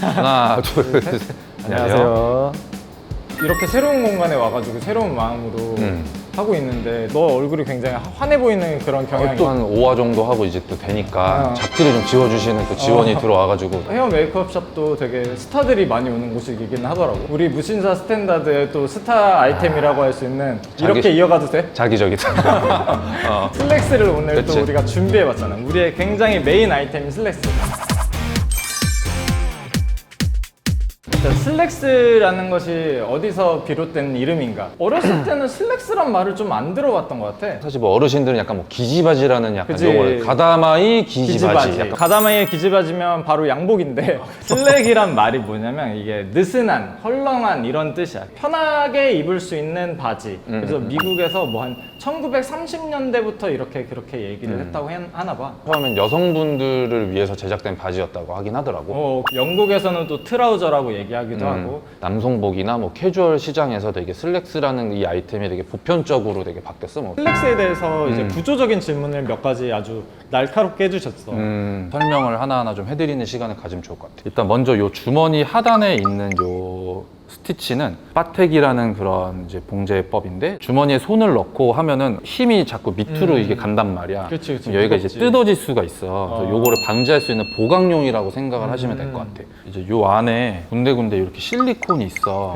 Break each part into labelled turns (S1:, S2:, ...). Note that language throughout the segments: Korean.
S1: 하나, 둘, 셋.
S2: 안녕하세요. 이렇게 새로운 공간에 와가지고 새로운 마음으로 하고 있는데 너 얼굴이 굉장히 환해 보이는 그런 경향이
S1: 또 한 5화 정도 하고 이제 또 되니까 잡지를 좀 지워주시는 또 지원이 들어와가지고
S2: 헤어 메이크업 샵도 되게 스타들이 많이 오는 곳이긴 하더라고. 우리 무신사 스탠다드의 또 스타 아이템이라고 할 수 있는 이렇게 이어가도 돼?
S1: 자기적이다.
S2: 슬랙스를 오늘
S1: 그치.
S2: 또 우리가 준비해봤잖아. 우리의 굉장히 메인 아이템인 슬랙스. 슬랙스라는 것이 어디서 비롯된 이름인가? 어렸을 때는 슬랙스란 말을 좀 안 들어봤던 것 같아.
S1: 사실 뭐 어르신들은 약간 뭐 기지바지라는 약간
S2: 그치.
S1: 용어를 가다마이 기지바지. 약간
S2: 가다마이의 기지바지면 바로 양복인데 슬랙이란 말이 뭐냐면 이게 느슨한, 헐렁한 이런 뜻이야. 편하게 입을 수 있는 바지. 그래서 미국에서 뭐 한 1930년대부터 이렇게 그렇게 얘기를 했다고 하나 봐.
S1: 처음엔 여성분들을 위해서 제작된 바지였다고 하긴 하더라고.
S2: 영국에서는 또 트라우저라고 얘기하기도 하고.
S1: 남성복이나 뭐 캐주얼 시장에서 되게 슬랙스라는 이 아이템이 되게 보편적으로 되게 바뀌었어. 뭐.
S2: 슬랙스에 대해서 이제 구조적인 질문을 몇 가지 아주 날카롭게 해주셨어.
S1: 설명을 하나하나 좀 해드리는 시간을 가지면 좋을 것 같아요. 일단 먼저 요 주머니 하단에 있는 요 스티치는 빠텍이라는 그런 이제 봉제법인데 주머니에 손을 넣고 하면은 힘이 자꾸 밑으로 이게 간단 말이야.
S2: 그치, 그치.
S1: 그럼 여기가
S2: 무겁지.
S1: 이제 뜯어질 수가 있어. 그래서 요거를 방지할 수 있는 보강용이라고 생각을 하시면 될 것 같아. 이제 요 안에 군데군데 이렇게 실리콘이 있어.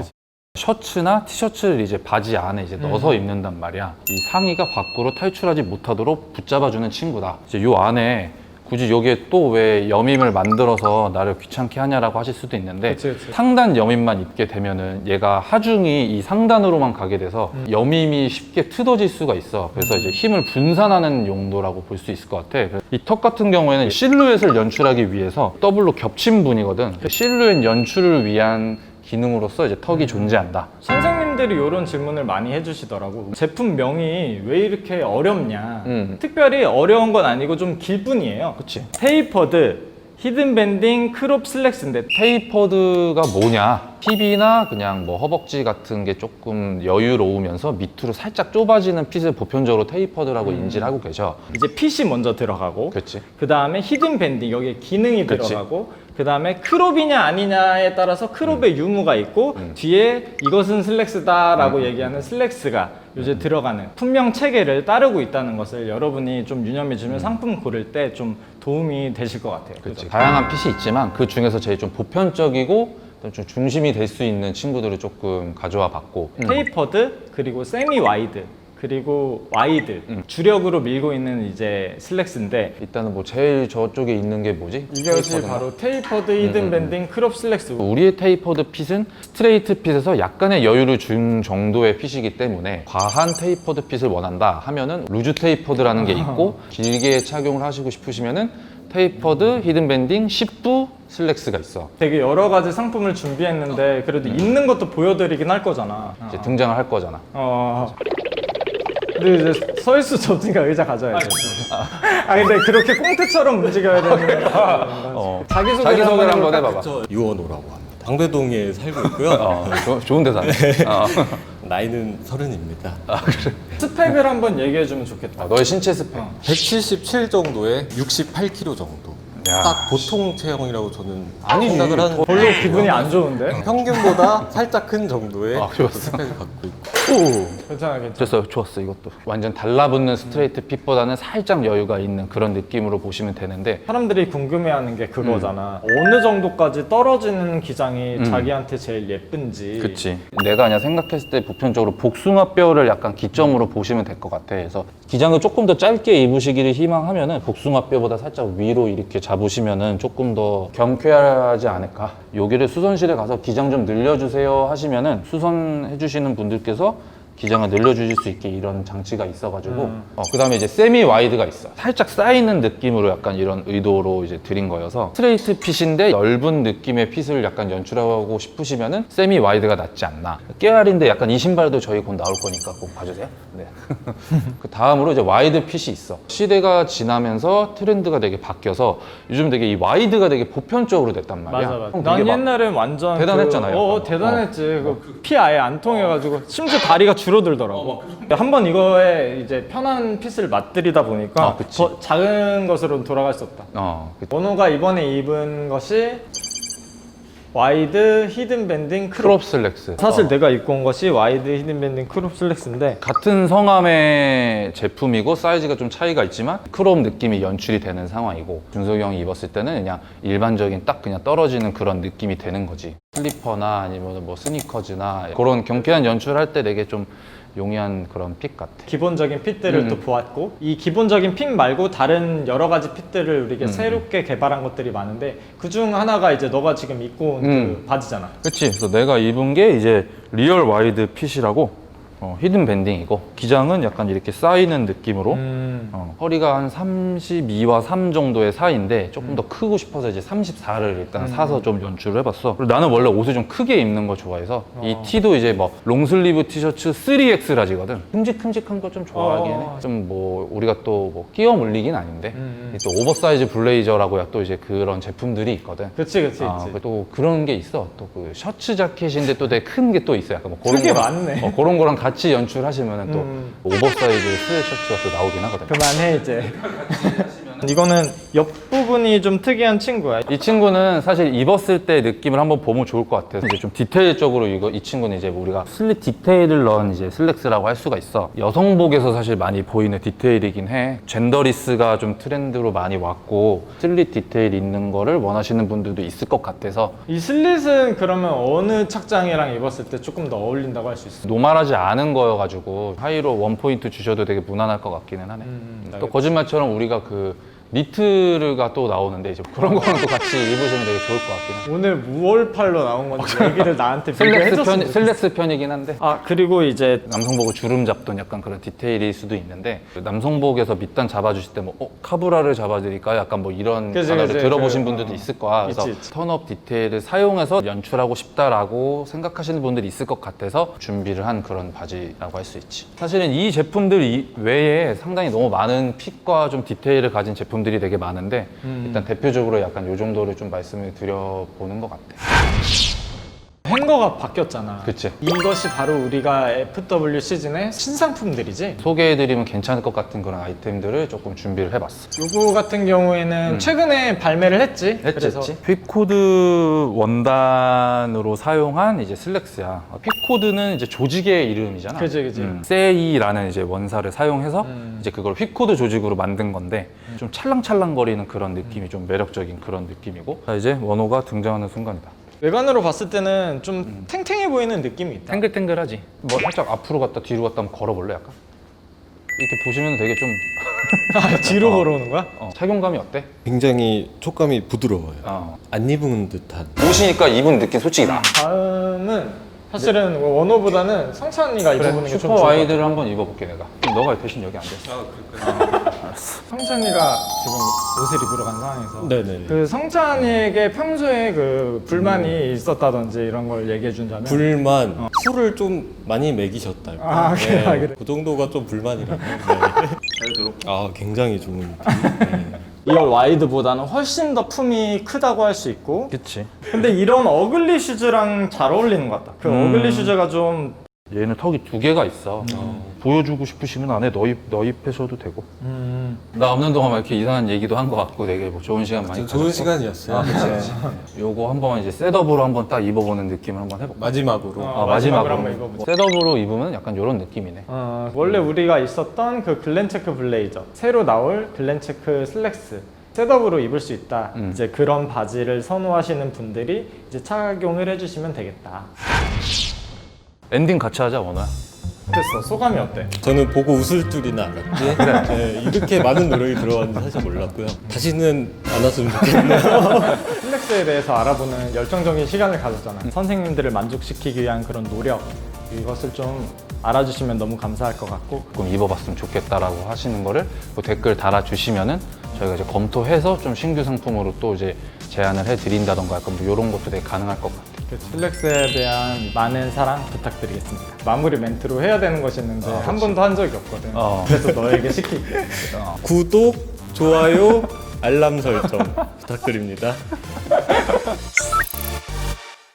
S1: 셔츠나 티셔츠를 이제 바지 안에 이제 넣어서 입는단 말이야. 이 상의가 밖으로 탈출하지 못하도록 붙잡아주는 친구다. 이제 요 안에 굳이 여기에 또 왜 여밈을 만들어서 나를 귀찮게 하냐라고 하실 수도 있는데
S2: 그치, 그치.
S1: 상단 여밈만 입게 되면은 얘가 하중이 이 상단으로만 가게 돼서 여밈이 쉽게 트어질 수가 있어. 그래서 이제 힘을 분산하는 용도라고 볼 수 있을 것 같아. 이 턱 같은 경우에는 실루엣을 연출하기 위해서 더블로 겹친 분이거든. 실루엣 연출을 위한 기능으로서 이제 턱이 존재한다.
S2: 선생님들이 이런 질문을 많이 해주시더라고. 제품명이 왜 이렇게 어렵냐. 특별히 어려운 건 아니고 좀 길 뿐이에요.
S1: 그치.
S2: 테이퍼드, 히든 밴딩, 크롭 슬랙스인데
S1: 테이퍼드가 뭐냐? 힙이나 그냥 뭐 허벅지 같은 게 조금 여유로우면서 밑으로 살짝 좁아지는 핏을 보편적으로 테이퍼드라고 인지를 하고 계셔.
S2: 이제 핏이 먼저 들어가고
S1: 그렇지.
S2: 그 다음에 히든 밴딩, 여기에 기능이
S1: 그치.
S2: 들어가고 그 다음에 크롭이냐 아니냐에 따라서 크롭의 유무가 있고 뒤에 이것은 슬랙스다라고 얘기하는 슬랙스가 이제 들어가는 품명 체계를 따르고 있다는 것을 여러분이 좀 유념해 주면 상품 고를 때 좀 도움이 되실 것 같아요. 그죠?
S1: 다양한 핏이 있지만 그 중에서 제일 좀 보편적이고 좀 중심이 될 수 있는 친구들을 조금 가져와 봤고
S2: 테이퍼드 그리고 세미 와이드 그리고 와이드 주력으로 밀고 있는 이제 슬랙스인데
S1: 일단은 뭐 제일 저쪽에 있는 게 뭐지?
S2: 이것이
S1: 테이퍼드인가?
S2: 바로 테이퍼드 히든 밴딩 크롭 슬랙스.
S1: 우리의 테이퍼드 핏은 스트레이트 핏에서 약간의 여유를 준 정도의 핏이기 때문에 과한 테이퍼드 핏을 원한다 하면은 루즈 테이퍼드라는 게 있고 길게 착용을 하시고 싶으시면은 테이퍼드 히든 밴딩 10부 슬랙스가 있어.
S2: 되게 여러 가지 상품을 준비했는데 그래도 있는 것도 보여드리긴 할 거잖아.
S1: 이제 등장을 할 거잖아.
S2: 근데 이제 서 있을 수 없으니까 의자 가져야 돼. 근데 그렇게 꽁트처럼 움직여야 되는
S1: 자기소개를 한번 해봐봐.
S3: 저 유원호라고 합니다. 방배동에 살고 있고요.
S1: 좋은 데서 하네.
S3: 나이는 30입니다.
S2: 스펙을 한번 얘기해 주면 좋겠다.
S1: 너의 신체 스펙.
S3: 177 정도에 68kg 정도.
S1: 야.
S3: 딱 보통 체형이라고 저는
S1: 아니지.
S3: 생각을 하는데
S2: 별로 기분이 안 좋은데?
S3: 평균보다 살짝 큰 정도의
S1: 좋았어.
S3: 스펙을 갖고 있고
S2: 괜찮아.
S1: 좋았어 이것도. 완전 달라붙는 스트레이트 핏보다는 살짝 여유가 있는 그런 느낌으로 보시면 되는데
S2: 사람들이 궁금해하는 게 그거잖아. 어느 정도까지 떨어지는 기장이 자기한테 제일 예쁜지.
S1: 그치. 내가 그냥 생각했을 때 보편적으로 복숭아뼈를 약간 기점으로 보시면 될 것 같아. 그래서 기장을 조금 더 짧게 입으시기를 희망하면은 복숭아뼈보다 살짝 위로 이렇게 잡으시면은 조금 더 경쾌하지 않을까. 여기를 수선실에 가서 기장 좀 늘려주세요 하시면은 수선해주시는 분들께서 기장을 늘려주실 수 있게 이런 장치가 있어가지고 그 다음에 이제 세미 와이드가 있어. 살짝 쌓이는 느낌으로 약간 이런 의도로 이제 드린 거여서 스트레이트 핏인데 넓은 느낌의 핏을 약간 연출하고 싶으시면은 세미 와이드가 낫지 않나. 깨알인데 약간 이 신발도 저희 곧 나올 거니까 꼭 봐주세요. 네. 그 다음으로 이제 와이드 핏이 있어. 시대가 지나면서 트렌드가 되게 바뀌어서 요즘 되게 이 와이드가 되게 보편적으로 됐단 말이야.
S2: 맞아.
S1: 형
S2: 난
S1: 되게 막
S2: 옛날엔 완전
S1: 대단했잖아요.
S2: 대단했지. 피 아예 안 통해가지고 심지어 다리가 줄어들더라고. 한번 이거에 이제 편한 핏을 맛들이다 보니까
S1: 그치.
S2: 더 작은 것으로 돌아갈 수 없다.
S1: 그치.
S2: 원호가 이번에 입은 것이 와이드, 히든 밴딩,
S1: 크롭 슬랙스.
S2: 사실 내가 입고 온 것이 와이드, 히든 밴딩, 크롭 슬랙스인데
S1: 같은 성함의 제품이고 사이즈가 좀 차이가 있지만 크롭 느낌이 연출이 되는 상황이고 준석이 형이 입었을 때는 그냥 일반적인 딱 그냥 떨어지는 그런 느낌이 되는 거지. 슬리퍼나 아니면 뭐 스니커즈나 그런 경쾌한 연출할 때 되게 좀 용이한 그런 픽 같아.
S2: 기본적인 핏들을 또 보았고 이 기본적인 핏 말고 다른 여러 가지 핏들을 우리가 새롭게 개발한 것들이 많은데 그중 하나가 이제 너가 지금 입고 온 그 바지잖아.
S1: 그치. 그래서 내가 입은 게 이제 리얼 와이드 핏이라고 히든 밴딩이고 기장은 약간 이렇게 쌓이는 느낌으로 허리가 한 32와 3 정도의 사이인데 조금 더 크고 싶어서 이제 34를 일단 사서 좀 연출을 해봤어. 그리고 나는 원래 옷을 좀 크게 입는 거 좋아해서 이 티도 이제 뭐 롱슬리브 티셔츠 3X 라지거든. 큼직큼직한 거 좀 좋아하긴 해. 좀 뭐 우리가 또 뭐 끼워 물리긴 아닌데 또 오버사이즈 블레이저라고 또 이제 그런 제품들이 있거든.
S2: 그치.
S1: 또 그런 게 있어. 또 그 셔츠 자켓인데 또 되게 큰 게 또 있어. 약간 뭐 그런
S2: 그게
S1: 거랑-
S2: 많네.
S1: 그런 거랑 같이 연출하시면 또 오버사이즈 스웨트셔츠가 또 나오긴 하거든.
S2: 그만해 이제. 이거는 옆부분이 좀 특이한 친구야.
S1: 이 친구는 사실 입었을 때 느낌을 한번 보면 좋을 것 같아요. 이제 좀 디테일적으로 이 친구는 이제 우리가 슬릿 디테일을 넣은 이제 슬랙스라고 할 수가 있어. 여성복에서 사실 많이 보이는 디테일이긴 해. 젠더리스가 좀 트렌드로 많이 왔고 슬릿 디테일 있는 거를 원하시는 분들도 있을 것 같아서
S2: 이 슬릿은 그러면 어느 착장이랑 입었을 때 조금 더 어울린다고 할 수 있어?
S1: 노멀하지 않은 거여가지고 하이로 원포인트 주셔도 되게 무난할 것 같기는 하네. 또
S2: 알겠지.
S1: 거짓말처럼 우리가 그 니트가 또 나오는데 이제 그런 거랑 또 같이 입으시면 되게 좋을 것 같긴 해.
S2: 오늘 무얼팔로 나온 건지 얘기를 나한테 비교해줬으면 좋겠어.
S1: 슬랙스 편이긴 한데
S2: 아 그리고 이제
S1: 남성복을 주름 잡던 약간 그런 디테일일 수도 있는데 그 남성복에서 밑단 잡아주실 때 뭐 카브라를 잡아드릴까 약간 뭐 이런
S2: 그치,
S1: 단어를
S2: 그치.
S1: 들어보신
S2: 그,
S1: 분들도 있을 거야. 그래서
S2: 있지.
S1: 턴업 디테일을 사용해서 연출하고 싶다라고 생각하시는 분들이 있을 것 같아서 준비를 한 그런 바지라고 할 수 있지. 사실은 이 제품들 외에 상당히 너무 많은 핏과 좀 디테일을 가진 제품들이 되게 많은데 일단 대표적으로 약간 요 정도를 좀 말씀을 드려보는 것 같아.
S2: 행거가 바뀌었잖아.
S1: 그치.
S2: 이것이 바로 우리가 FW 시즌의 신상품들이지.
S1: 소개해드리면 괜찮을 것 같은 그런 아이템들을 조금 준비를 해봤어.
S2: 요거 같은 경우에는 최근에 발매를 했지. 그래서
S1: 픽코드 원단으로 사용한 이제 슬랙스야. 픽코드는 이제 조직의 이름이잖아.
S2: 그치.
S1: 세이라는 이제 원사를 사용해서 이제 그걸 픽코드 조직으로 만든 건데 좀 찰랑찰랑거리는 그런 느낌이 좀 매력적인 그런 느낌이고. 자, 이제 원호가 등장하는 순간이다.
S2: 외관으로 봤을 때는 좀 탱탱해 보이는 느낌이 있다.
S1: 탱글탱글하지. 뭐 살짝 앞으로 갔다 뒤로 갔다 한번 걸어볼래 약간? 이렇게 보시면 되게 좀
S2: 뒤로 걸어오는 거야?
S1: 착용감이 어때?
S3: 굉장히 촉감이 부드러워요. 안 입은 듯한.
S1: 옷이니까 입은 느낌 솔직히 나.
S2: 다음은 사실은 원호보다는 성찬이가 입어보는 게 좀
S1: 슈퍼
S2: 좋을 것 같아.
S1: 와이드를 한번 입어볼게 내가. 그럼 너가 대신 여기 앉았어.
S2: 성찬이가 지금 옷을 입으러 간 상황에서
S3: 네네.
S2: 그 성찬이에게 평소에 그 불만이 있었다든지 이런 걸 얘기해 준다면
S3: 불만. 술을 좀 많이 먹이셨달까.
S2: 아, 그래.
S3: 그 정도가 좀 불만이라고. 네. 잘 들어. 아 굉장히 좋은. 네.
S2: 이걸 와이드보다는 훨씬 더 품이 크다고 할 수 있고
S1: 그치.
S2: 근데 이런 어글리 슈즈랑 잘 어울리는 것 같다. 그 어글리 슈즈가 좀
S1: 얘는 턱이 2개가 있어. 보여주고 싶으시면 안에 넣입하셔도 되고. 나 없는 동안 막 이렇게 이상한 얘기도 한 것 같고 되게 뭐 좋은 시간 많이
S3: 좋은
S1: 가졌고.
S3: 시간이었어요.
S1: 요거 한번 이제 셋업으로 한번 딱 입어보는 느낌을 한번 해볼까?
S3: 마지막으로.
S2: 마지막으로 한번 입어보자.
S1: 셋업으로 입으면 약간 이런 느낌이네.
S2: 원래 우리가 있었던 그 글렌체크 블레이저 새로 나올 글렌체크 슬랙스 셋업으로 입을 수 있다. 이제 그런 바지를 선호하시는 분들이 이제 착용을 해주시면 되겠다.
S1: 엔딩 같이 하자 원호야.
S2: 됐어. 소감이 어때?
S3: 저는 보고 웃을 줄이나 알았지. 네, 이렇게 많은 노력이 들어갔는지 사실 몰랐고요. 다시는 안 왔으면 좋겠네요.
S2: 슬랙스에 대해서 알아보는 열정적인 시간을 가졌잖아. 선생님들을 만족시키기 위한 그런 노력 이것을 좀 알아주시면 너무 감사할 것 같고
S1: 조금 입어봤으면 좋겠다라고 하시는 거를 뭐 댓글 달아주시면은 저희가 이제 검토해서 좀 신규 상품으로 또 이제 제안을 해드린다던가 약간 뭐 이런 것도 되게 가능할 것 같아요.
S2: 그 슬랙스에 대한 많은 사랑 부탁드리겠습니다. 마무리 멘트로 해야 되는 것이 있는데 한 번도 한 적이 없거든. 그래서 너에게 시킬게.
S3: 구독, 좋아요, 알람 설정 부탁드립니다.